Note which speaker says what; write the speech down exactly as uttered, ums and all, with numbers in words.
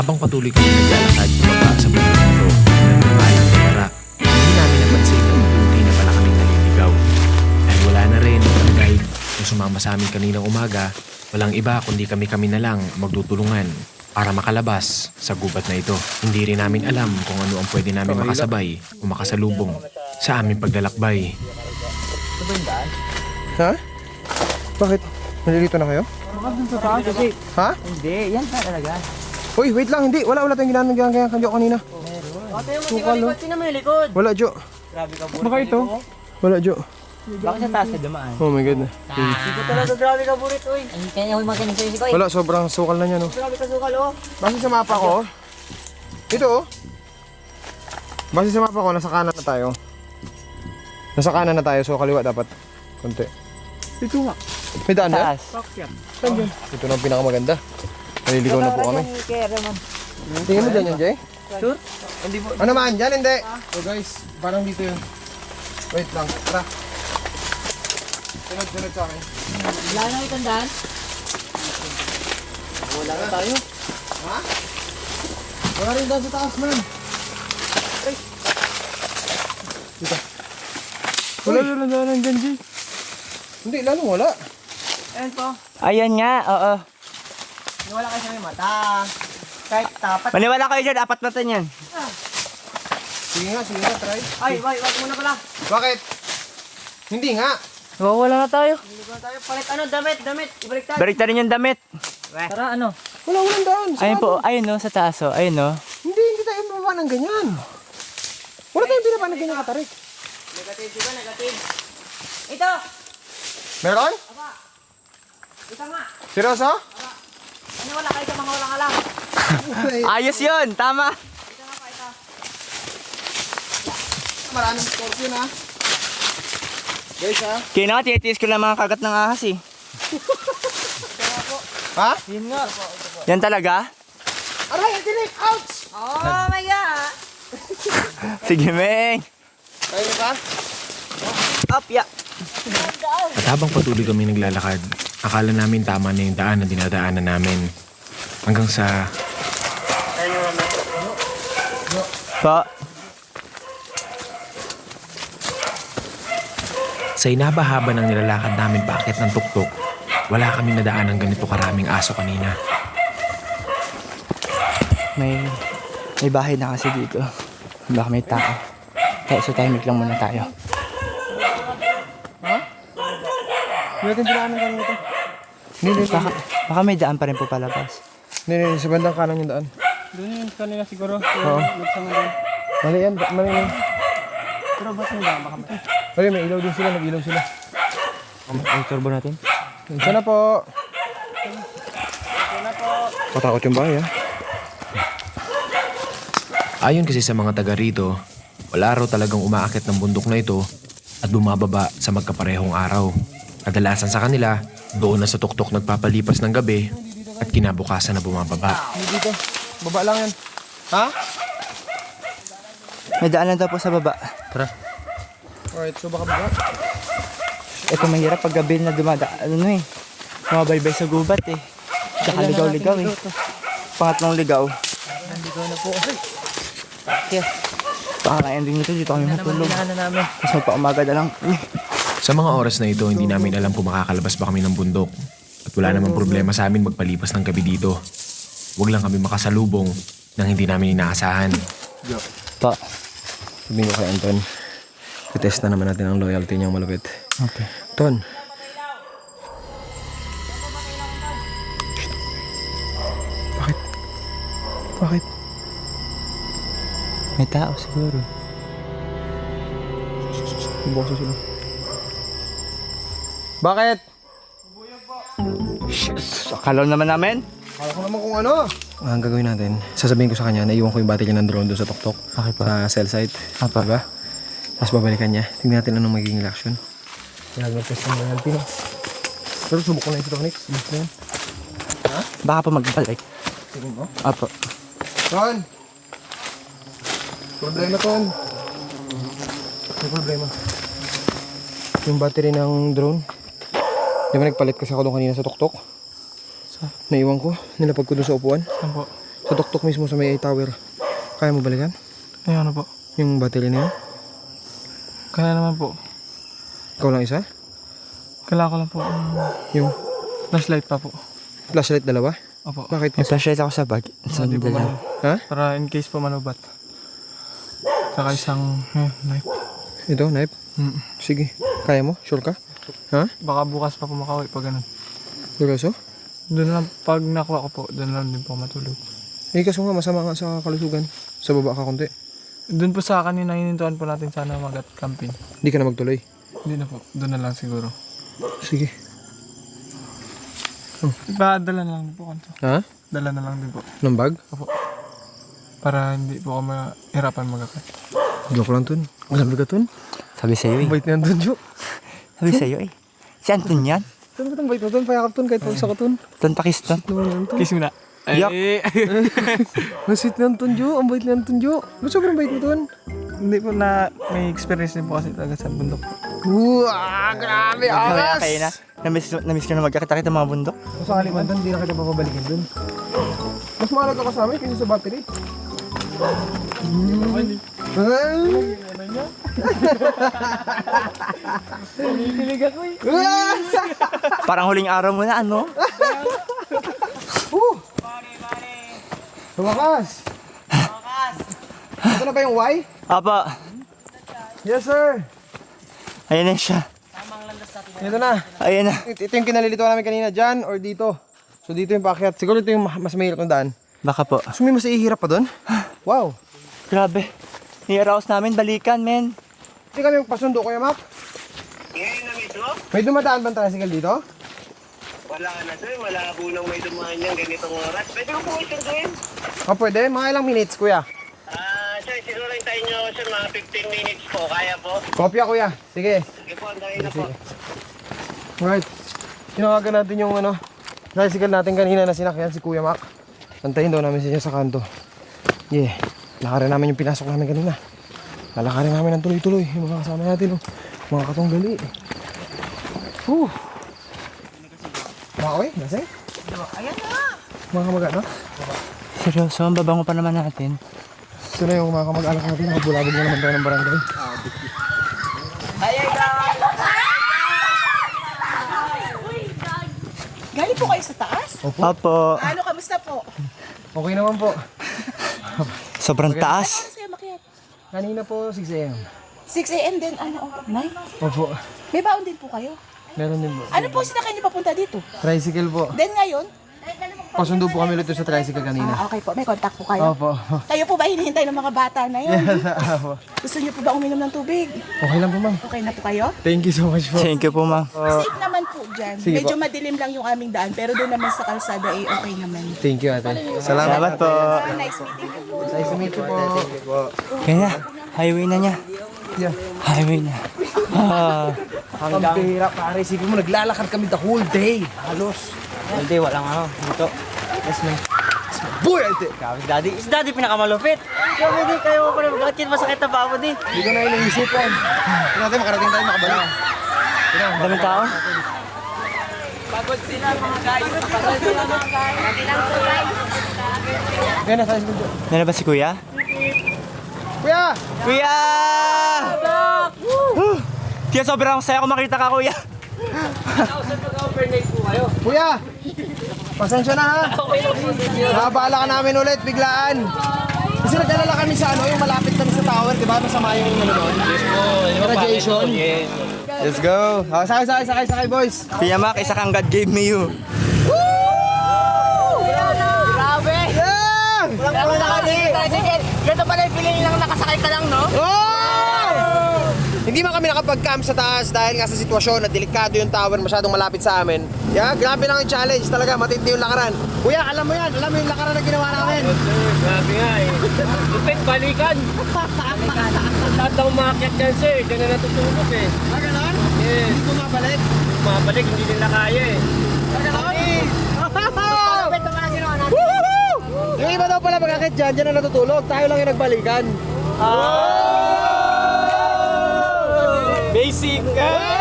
Speaker 1: Habang patuloy kami naglalakad pababa sa bundok nito ng nangalang kamera, hindi namin napansin na unti na pala kaming naliligaw. Dahil wala na rin ang guide na sumama sa amin kaninang umaga, walang iba kundi kami-kami na lang magtutulungan para makalabas sa gubat na ito. Hindi rin namin alam kung ano ang pwede namin makasabay o makasalubong sa aming paglalakbay.
Speaker 2: Ito ba yung daan?
Speaker 3: Ha? Bakit? Nalilito na kayo?
Speaker 2: Baka dun sa taas kasi.
Speaker 3: Ha?
Speaker 2: Hindi, yan na talaga.
Speaker 3: Uy, wait lang, hindi. Wala, wala tayong ginanong ganyan kanyo kanina.
Speaker 2: Ate mo, tingnan likod, tingnan mo yung likod.
Speaker 3: Wala, Jo.
Speaker 2: Grabe ka, burit.
Speaker 3: Baka ito? Wala, Jo.
Speaker 2: Baka sa taas na dumaan.
Speaker 3: Oh my God.
Speaker 2: Hindi ko talaga, grabe ka, burit, uy. Ay, kaya ako makinig sa'yo si Koy.
Speaker 3: Wala, sobrang sukal na niya, no?
Speaker 2: Grabe ka, sukal, oh.
Speaker 3: Base sa mapa ko, ito, oh. Base sa mapa ko, nasa kanan na tayo. Nasa kanan na tayo, so kaliwa dapat. Konti.
Speaker 2: Ito nga.
Speaker 3: May daan na?
Speaker 2: Taas.
Speaker 3: Saan yun? Ito na ang pinakamaganda. Naliligaw na po kami. Tingin mo dyan yan, Jay?
Speaker 2: Sure? Hindi po.
Speaker 3: Ano man, dyan hindi. So guys, parang dito yun. Wait lang, tara. Sunod, sunod sa akin.
Speaker 2: Wala na itong daan? Wala na tayo.
Speaker 3: Ha? Wala rin daan sa taas, man. Dito. Wala rin daan dyan, Jay. Hindi, lalong wala.
Speaker 2: Ayan po. Ayan nga, oo. Maniwala kayo sa may mata. Kahit tapat. Maniwala kayo dyan, apat mata niyan.
Speaker 3: Sige nga, sige nga, try.
Speaker 2: Ay, wait, wait muna pala.
Speaker 3: Bakit? Hindi nga.
Speaker 2: Wala na tayo. Hindi na tayo. Palit ano, damit, damit. Ibaliktad. Baliktarin yung damit. Tara, ano?
Speaker 3: Wala, walang daan. Sa
Speaker 2: Ayun
Speaker 3: ano?
Speaker 2: po, ayun no, sa taas o. Ayun no.
Speaker 3: Hindi, hindi tayo mababa ng ganyan. Wala tayong binaba ng ganyan katarik.
Speaker 2: Negative, di ba? Negative. Ito!
Speaker 3: Meron?
Speaker 2: Aba! Ito nga!
Speaker 3: Seryoso?
Speaker 2: Ano wala kayo sa mga walang alam? Ayos yun! Tama! Ito nga pa, ito.
Speaker 3: Maraming scorpion ha. Guys ha?
Speaker 2: Kaya nga, tiyatiis ko lang mga kagat ng ahas eh.
Speaker 3: Ha?
Speaker 2: Yun nga. Yan talaga?
Speaker 3: Aray, ang tinik! Ouch!
Speaker 2: Oh my God! Sige, Meng!
Speaker 3: Kaya mo pa?
Speaker 2: Up, ya!
Speaker 1: At habang patuloy kami naglalakad, akala namin tama na yung daan na dinadaanan namin. Hanggang sa
Speaker 2: Pa.
Speaker 1: sa inabahaba ng nilalakad namin paakyat ng tuktok, wala kami nadaan ng ganito karaming aso kanina.
Speaker 2: May, may bahay na kasi dito. Baka may tao. Kaya so tahimik lang muna tayo.
Speaker 3: Hindi natin dinaanan kanina ito. Hindi, hindi,
Speaker 2: Baka, baka may daan pa rin po palabas.
Speaker 3: hindi, hindi, sa bandang kanan yung daan.
Speaker 4: Doon yun kanina siguro.
Speaker 3: Oo.
Speaker 4: Nagsanga doon.
Speaker 3: Mali yan, ba- mali yan.
Speaker 4: Pero ba't may dama kami?
Speaker 3: Mali, may ilaw din sila, nag-ilaw sila.
Speaker 2: Ang turbo natin.
Speaker 3: Isa na po. Patakot yung bahay ha.
Speaker 1: Ayon kasi sa mga taga rito, wala raw talagang umaakit ng bundok na ito at bumababa sa magkaparehong araw. Kadalasan sa kanila, doon na sa tuktok nagpapalipas ng gabi at kinabukasan na bumababa.
Speaker 3: Hindi dito. Baba lang yan. Ha?
Speaker 2: May daan lang daw po sa baba.
Speaker 1: Tara.
Speaker 3: Alright, so baka baba.
Speaker 2: Ito mahirap pag gabi na dumada. Ano eh. Mabaybay sa gubat eh. Tsaka ligaw-ligaw eh. Pangatlong ligaw.
Speaker 3: Ligaw na po.
Speaker 2: Yes. Baka kaya din ito. Dito kami matulog. Tapos magpa-umaga na lang. Uy.
Speaker 1: Sa mga oras na ito, hindi namin alam kung makakalabas ba kami ng bundok. At wala namang problema sa amin magpalipas ng gabi dito. Huwag lang kami makasalubong nang hindi namin inaasahan.
Speaker 2: Pa.
Speaker 3: Sabihin ko kay Anton. I-test na naman natin ang loyalty niyang malupit.
Speaker 2: Okay.
Speaker 3: Ton. Bakit? Bakit?
Speaker 2: May tao siguro.
Speaker 3: Boses sila. Bakit?
Speaker 2: Akala naman namin.
Speaker 3: Kala ko naman kung ano. Ang gagawin natin, sasabihin ko sa kanya na iwan ko yung battery ng drone doon sa tuktok.
Speaker 2: Okay pa.
Speaker 3: Sa cell site.
Speaker 2: Apa.
Speaker 3: Diba? Tapos babalikan niya. Tingnan natin anong magiging reaction. Kaya mag-test ng loyalty no. Pero subok ko na ito, Tonix. Subok na yan.
Speaker 2: Baka pa magbalik.
Speaker 3: Tingin mo?
Speaker 2: Apo.
Speaker 3: Ton! Problema, Ton. May problema. Yung battery ng drone. Di ba nagpalit kasi ako doon kanina sa tuktok?
Speaker 2: Sa?
Speaker 3: Naiwan ko. Nilapag ko doon sa upuan.
Speaker 4: Saan po?
Speaker 3: Sa Sa tuktok mismo sa may tower. Kaya mo balikan?
Speaker 4: Ay, ano po?
Speaker 3: Yung battery na yun?
Speaker 4: Kaya naman po.
Speaker 3: Ikaw lang isa?
Speaker 4: Kailangan ko lang po um,
Speaker 3: Yung
Speaker 4: flashlight pa po.
Speaker 3: flashlight dalawa?
Speaker 4: Opo.
Speaker 3: Bakit?
Speaker 2: May flashlight ako sa bag. Sa
Speaker 4: Hindi po
Speaker 2: dala.
Speaker 4: manu-
Speaker 3: Ha?
Speaker 4: Para in case po manubat. Saka isang eh, knife.
Speaker 3: Ito, knife?
Speaker 4: Mm.
Speaker 3: Sige. Kaya mo? Sure ka? Ha?
Speaker 4: Baka bukas pa po makauwi pag ganun.
Speaker 3: Seryoso?
Speaker 4: Doon lang, pag nakuha ko po, doon lang din po matulog.
Speaker 3: Eh, kaso nga, masama nga sa kalusugan. Sa baba ka konti.
Speaker 4: Doon po sa kanina, hinintuan po natin sana mag-at camping.
Speaker 3: Hindi ka na magtuloy.
Speaker 4: Hindi na po, doon na lang siguro.
Speaker 3: Sige.
Speaker 4: Iba, dala na lang din po kanto.
Speaker 3: Ha?
Speaker 4: Dala na lang din po.
Speaker 3: Ng bag?
Speaker 4: Para hindi po ako mahirapan mag-akat.
Speaker 3: Joke lang, Tun. Grabe ka, Tun.
Speaker 2: Sabi sa'yo eh.
Speaker 3: Ang bait niyan, Tun, Jo.
Speaker 2: Sabi sa'yo eh. Si Anton yan.
Speaker 3: Tun, ba't ang bait mo, Tun? Payakap, Tun. Kahit pagsa ka, Tun.
Speaker 2: Ton Pakistan.
Speaker 3: No, yan, Tun.
Speaker 4: Kiss mo na.
Speaker 2: Yuck.
Speaker 4: Ay,
Speaker 3: Ang sweet niyan, Tun, Jo. Ang bait niyan, Tun, Jo. Ba't sobrang bait mo, Tun?
Speaker 4: hindi po na may experience din po kasi talaga sa bundok.
Speaker 3: Uwah, grabe,
Speaker 2: Kaya
Speaker 3: angas!
Speaker 2: kayo na. Namiss, namiss ko na magkakita kita mga bundok.
Speaker 3: Kung sakali man, Tun, hindi na kita papabalikin, Tun. Mas mahalaga ka sa amin kaysa sa battery. Mm. Ay!
Speaker 4: Pinipilig ako eh.
Speaker 3: Ah!
Speaker 2: Parang huling araw mo na ano?
Speaker 3: Uh! Sa wakas! Ito na ba yung Y?
Speaker 2: Apa.
Speaker 3: Yes, sir!
Speaker 2: Ayan na siya.
Speaker 3: Ito na.
Speaker 2: Ayan na.
Speaker 3: Ito, ito yung kinalilito namin kanina, dyan or dito. So dito yung paakyat. Siguro ito yung ma- mas mahirap ng daan.
Speaker 2: Baka po.
Speaker 3: So may mas ihirap pa doon? Wow!
Speaker 2: Grabe. I-arouse namin, balikan, men.
Speaker 3: Hindi kami pasundo, Kuya Mac.
Speaker 5: Ngayon na mismo?
Speaker 3: May dumadaan bang tricycle dito?
Speaker 5: Wala na sir, wala po nang may dumaan niyang ganitong oras. Pwede ko po isunduin.
Speaker 3: O pwede, mga ilang minutes, Kuya.
Speaker 5: Ah, sir, siguro hintayin niyo sir mga fifteen minutes po. Kaya po?
Speaker 3: Kopya, Kuya. Sige.
Speaker 5: Sige po, andahin na po.
Speaker 3: Alright. Tinawagan natin yung ano, tricycle natin kanina na sinakyan si Kuya Mac. Antayin daw namin siya sa kanto. Yeah. Lakarin namin yung pinasok namin kanina. Lalakarin namin ng tuloy-tuloy. Yung mga kasama natin, oh. Mga katunggali. Whew. Mga oy, nasa? Ayan na! Mga kamag-anak?
Speaker 2: Seryoso, ang babango pa naman natin.
Speaker 3: Ito na yung mga kamag-anak natin. Nakabulabog na naman tayo ng barangay.
Speaker 6: Galing po kayo sa taas?
Speaker 2: Opo.
Speaker 6: Ano, kamusta po?
Speaker 3: Okay naman po.
Speaker 2: Sobrang taas.
Speaker 6: Ano sa'yo makiat?
Speaker 3: Kanina po, six a m
Speaker 6: six a m din, ano, nine?
Speaker 3: Opo.
Speaker 6: May baon din po kayo.
Speaker 3: Meron din po.
Speaker 6: Ano po sinakay niyo papunta dito?
Speaker 3: Tricycle po.
Speaker 6: Then ngayon?
Speaker 3: Pasundo po kami ulit sa tricycle kanina.
Speaker 6: Ah, okay po. May contact po kayo.
Speaker 3: Opo.
Speaker 6: Kayo po ba hinihintay ng mga bata na yun?
Speaker 3: Opo.
Speaker 6: Gusto niyo po ba uminom ng tubig?
Speaker 3: Okay lang po, ma'am.
Speaker 6: Okay na po kayo?
Speaker 3: Thank you so much po.
Speaker 2: Thank you po, ma'am.
Speaker 6: Safe naman po dyan.
Speaker 3: Sige
Speaker 6: Medyo
Speaker 3: po.
Speaker 6: madilim lang yung aming daan, pero doon naman sa kalsada ay okay naman.
Speaker 3: Thank you, ate. Salamat.
Speaker 2: Salamat po.
Speaker 6: Nice meeting you po.
Speaker 3: Nice to meet you po.
Speaker 2: Kaya na. Highway na niya.
Speaker 3: Yeah.
Speaker 2: Highway na. Ah.
Speaker 3: Ang bihira, pare. Sige mo, naglalakad kami the whole day. Halos.
Speaker 2: Hindi, walang ano. Dito. Yes, ma'am.
Speaker 3: Boy, ate.
Speaker 2: Grabe, daddy. Is daddy pinakamalupit. Grabe, di kayo pa rin. Bakit yun masakit na ba ako, di?
Speaker 3: Hindi ko na iniisip yan. Ito natin, makarating tayo makabalik.
Speaker 2: Ang daming tao.
Speaker 3: Kaya na, tayo sa
Speaker 2: Nana ba si kuya?
Speaker 3: Kuya!
Speaker 2: Kuya! Woo! Kaya sobrang saya ko makita ka, kuya.
Speaker 3: Kuya! Pasensya na ha. Nakabala ka namin ulit, biglaan. Kasi nagdalala kami sa ano, yung malapit kami sa tower, di ba? Masama yung ano doon. Yes po. Radiation. Let's go. Oh, sakay, sakay, sakay, sakay, boys.
Speaker 2: Kuya Mac, isa kang God gave me you.
Speaker 6: Grabe!
Speaker 3: Yeah!
Speaker 6: Walang nakakita. Ganito pala yung feeling lang nakasakay ka lang, no?
Speaker 3: Oh! Hindi man kami nakapag-camp sa taas dahil nga sa sitwasyon na delikado yung tower masyadong malapit sa amin. Yeah, grabe lang yung challenge talaga, matindi yung lakaran. Kuya, alam mo yan, alam mo yung lakaran na ginawa namin.
Speaker 4: Grabe nga eh. Lupit, balikan. Lahat na umakyat dyan sir, dyan na natutulog eh.
Speaker 3: Ah, ganon?
Speaker 4: Yes.
Speaker 3: Hindi bumabalik.
Speaker 4: Mabalik, hindi nila kaya eh.
Speaker 3: Ah, ganon? Woohoo! Yung iba daw pala magkakit dyan, dyan na natutulog. Tayo lang yung nagbalikan.
Speaker 4: Basic!